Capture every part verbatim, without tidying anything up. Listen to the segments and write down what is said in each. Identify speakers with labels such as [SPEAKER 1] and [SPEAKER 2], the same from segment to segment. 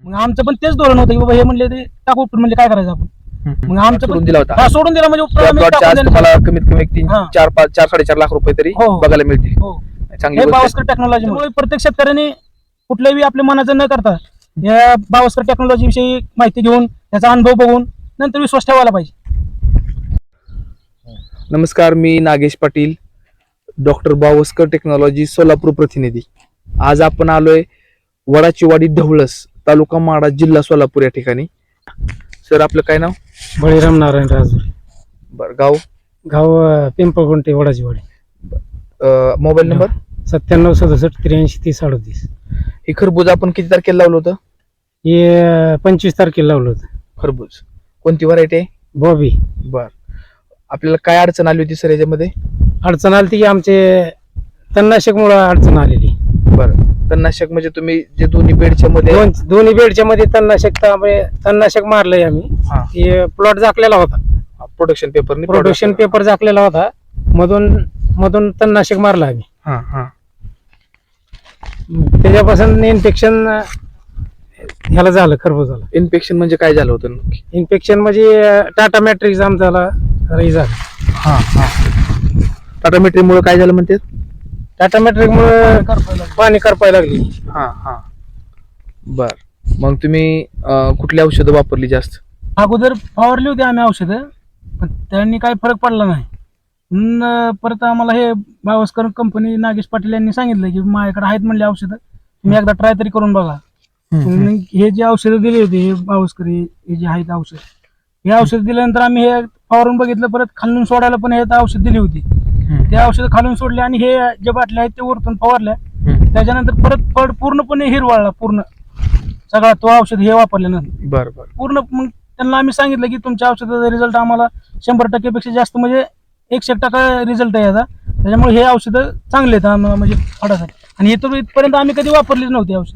[SPEAKER 1] मग आमचं पण तेच धोरण होतं की बाबा हे म्हणले ते टाकू उपटून, म्हणजे काय करायचं आपण. मग आमचं
[SPEAKER 2] सोडून
[SPEAKER 1] पण
[SPEAKER 2] दिला होता
[SPEAKER 1] हा सोडून दिला म्हणजे उपटून आम्ही
[SPEAKER 2] प्लॉटच्या
[SPEAKER 1] टाकून
[SPEAKER 2] आज
[SPEAKER 1] देणार.
[SPEAKER 2] तुम्हाला कमीत कमी एक तीन
[SPEAKER 1] हा.
[SPEAKER 2] चार पाच चार साडेचार लाख रुपये तरी
[SPEAKER 1] हो.
[SPEAKER 2] बघायला मिळतील.
[SPEAKER 1] हो.
[SPEAKER 2] चांगली
[SPEAKER 1] हे
[SPEAKER 2] गोष्ट आहे.
[SPEAKER 1] बावस्कर टेक्नॉलॉजीमुळे प्रत्येक शेतकऱ्यांनी कुठल्याही आपल्या मनाचं न करता या बावस्कर टेक्नॉलॉजी विषयी माहिती घेऊन त्याचा अनुभव बघून नंतर विश्वास ठेवायला पाहिजे.
[SPEAKER 2] नमस्कार, मी नागेश पाटील, डॉक्टर बावस्कर टेक्नॉलॉजी सोलापूर प्रतिनिधी. आज आपण आलोय वडाचीवाडी ढवळस, तालुका माडा, जिल्हा सोलापूर या ठिकाणी. सर, आपलं काय नाव?
[SPEAKER 3] बळीराम नारायण राजूर.
[SPEAKER 2] बरं, गाव?
[SPEAKER 3] गाव अं, पिंपळगुंटे, वडाचीवाडी.
[SPEAKER 2] अं, मोबाईल नंबर?
[SPEAKER 3] सत्त्याण्णव सदुसष्ट त्र्याऐंशी तीस अडतीस.
[SPEAKER 2] हे खरबूज आपण किती तारखेला लावलं होतं?
[SPEAKER 3] हे अं, पंचवीस तारखेला लावलं होतं.
[SPEAKER 2] खरबूज कोणती व्हरायटी आहे?
[SPEAKER 3] बॉबी.
[SPEAKER 2] बर, आपल्याला काय अडचण आली होती सर याच्यामध्ये?
[SPEAKER 3] अडचण आली की आमचे तणनाशकमुळे अडचण आलेली.
[SPEAKER 2] बरं, तणनाशक म्हणजे तुम्ही जे दोन्ही बेडच्या मध्ये
[SPEAKER 3] दोन दोन्ही बेडच्या मध्ये तणनाशक त्यामुळे तणनाशक मारलंय आम्ही.
[SPEAKER 2] हा.
[SPEAKER 3] हे प्लॉट झाकलेला होता,
[SPEAKER 2] प्रोडक्शन पेपर
[SPEAKER 3] प्रोडक्शन पेपर झाकलेला होता, मधून मधून तणनाशक मारलं आम्ही.
[SPEAKER 2] हा हा
[SPEAKER 3] त्याच्यापासून इन्फेक्शन ह्याला झालं, खरबूजाला.
[SPEAKER 2] इन्फेक्शन म्हणजे काय झालं होतं?
[SPEAKER 3] इन्फेक्शन म्हणजे टाटा मॅट्रिक्स आमच्याला हे झालं.
[SPEAKER 2] हा हा टाटा मेट्री मुळे काय झालं म्हणते?
[SPEAKER 3] टाटा मॅट्रिक मुळे पाणी करपायला लागली.
[SPEAKER 2] हा हा बर, मग तुम्ही अं, कुठली औषधं वापरली जास्त?
[SPEAKER 1] अगोदर फवारली होती आम्ही औषधं, पण त्यांनी काही फरक पडला नाही. म्हणून अं, परत आम्हाला हे बावस्कर कंपनी नागेश पाटील यांनी सांगितलं की माझ्याकडे आहेत म्हणले औषधं, तुम्ही एकदा ट्राय तरी करून बघा. मग हे जे औषधं दिली होती, हे बावस्कर हे हे जे आहेत औषध, हे औषध दिल्यानंतर आम्ही हे फवारून बघितलं. परत खालून सोडायला पण हे औषध दिली होती. ते औषध खालून सोडले आणि हे जे बाटल्या आहेत ते वरतून फवारल्या. त्याच्यानंतर परत फळ पूर्णपणे हिरवाळला, पूर्ण सगळा तो औषध हे वापरल्यानंतर.
[SPEAKER 2] बर बर
[SPEAKER 1] पूर्ण मग त्यांना आम्ही सांगितलं की तुमच्या औषधाचा रिझल्ट आम्हाला शंभर टक्केपेक्षा जास्त, म्हणजे एकशे एक टक्का रिझल्ट आहे याचा. त्याच्यामुळे हे औषधं चांगले आहेत आम्हाला, म्हणजे फळासाठी. आणि इथं इथपर्यंत आम्ही कधी वापरलीच नव्हती औषध.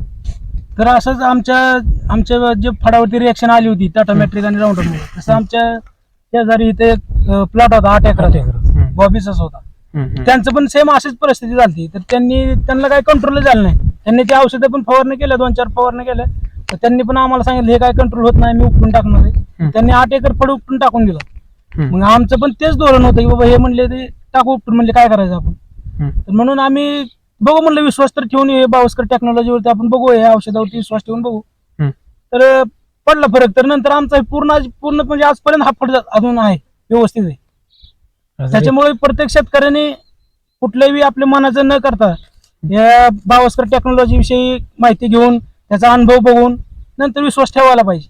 [SPEAKER 1] तर असंच आमच्या आमच्या जे फळावरती रिॲक्शन आली होती टाटा मॅट्रिक आणि राऊंडरमुळे, तसं आमच्या शेजारी इथे प्लॉट होता आठ एकराचा, बॉबीचाच होता. त्यांचं पण सेम अशीच परिस्थिती झाली. तर त्यांनी त्यांना काही कंट्रोल झालं नाही. त्यांनी ते औषधं पण फवारणी केल्या, दोन चार फवारणी केल्या. तर त्यांनी पण आम्हाला सांगितलं हे काय कंट्रोल होत नाही, मी उपटून टाकणार आहे. त्यांनी आठ एकर फळ उपटून टाकून दिलं. मग आमचं पण तेच धोरण होतं की बाबा हे म्हणले ते टाकू उपटून, म्हणजे काय करायचं आपण. तर म्हणून आम्ही बघू म्हणलं, विश्वास तर ठेवून हे बावस्कर टेक्नॉलॉजीवरती आपण बघू, या औषधावरती विश्वास ठेवून बघू. तर पडला फरक. तर नंतर आमचा पूर्ण पूर्ण म्हणजे आजपर्यंत हा फळ अजून आहे, व्यवस्थित आहे. त्याच्यामुळे प्रत्येक शेतकऱ्याने कुठल्याही आपल्या मनाचं न करता या बावस्कर टेक्नॉलॉजी विषयी माहिती घेऊन त्याचा अनुभव बघून नंतर विश्वास ठेवायला पाहिजे.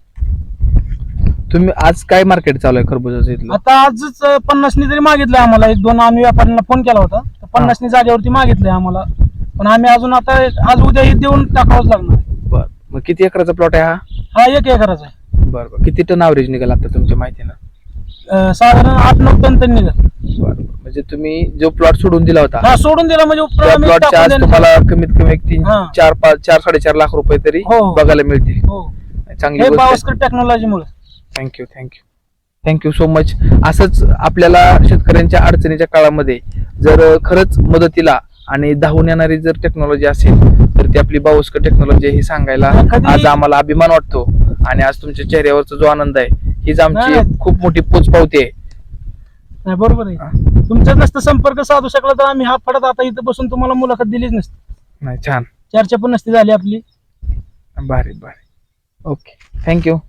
[SPEAKER 2] तुम्ही आज काय मार्केट चालू आहे खरबुजाचं इथलं?
[SPEAKER 1] आता आजच पन्नासनी जरी मागितलंय आम्हाला, एक दोन आम्ही व्यापाऱ्यांना फोन केला होता, तर पन्नासनी जागेवरती मागितलंय आम्हाला. पण आम्ही अजून आता आज उद्या हे देऊन टाकावंच लागणार.
[SPEAKER 2] बर, मग किती एकराचा प्लॉट आहे हा?
[SPEAKER 1] हा एक एकराचा आहे.
[SPEAKER 2] बर बर, किती टन ॲव्हरेज निघाला आता तुमच्या माहितीनं?
[SPEAKER 1] अं, साधारण आठ नऊ टन त्यांनी निघाल.
[SPEAKER 2] बर, म्हणजे तुम्ही जो प्लॉट सोडून दिला होता
[SPEAKER 1] हा सोडून दिला म्हणजे उपटून
[SPEAKER 2] त्या
[SPEAKER 1] आम्ही
[SPEAKER 2] प्लॉटच्या
[SPEAKER 1] टाकून
[SPEAKER 2] आज
[SPEAKER 1] देणार.
[SPEAKER 2] तुम्हाला कमीत कमी एक तीन
[SPEAKER 1] हा.
[SPEAKER 2] चार पाच चार साडेचार लाख रुपये तरी
[SPEAKER 1] हो, हो.
[SPEAKER 2] बघायला मिळतील.
[SPEAKER 1] हो,
[SPEAKER 2] चांगली
[SPEAKER 1] हे
[SPEAKER 2] गोष्ट आहे.
[SPEAKER 1] बावस्कर टेक्नॉलॉजीमुळे.
[SPEAKER 2] Thank you thank you thank you so much. असंच आपल्याला शेतकऱ्यांच्या अडचणीच्या काळामध्ये जर खरंच मदतीला आणि धावून येणारी जर टेक्नॉलॉजी असेल तर ती आपली बावस्कर टेक्नॉलॉजी ही सांगायला
[SPEAKER 1] कधी-
[SPEAKER 2] आज आम्हाला अभिमान वाटतो. आणि आज तुमच्या चेहऱ्यावरचा जो आनंद आहे हीच आमची
[SPEAKER 1] नाही.
[SPEAKER 2] खूप मोठी पोचपावती आहे.
[SPEAKER 1] नाही, बरोबर आहे. तुमचा नसतं संपर्क साधू शकला तर आम्ही हा फडत आता इथं बसून तुम्हाला मुलाखत दिलीच नसती,
[SPEAKER 2] नाही, छान,
[SPEAKER 1] चर्चा पण नसती झाली आपली.
[SPEAKER 2] भारी भारी. Okay, thank you.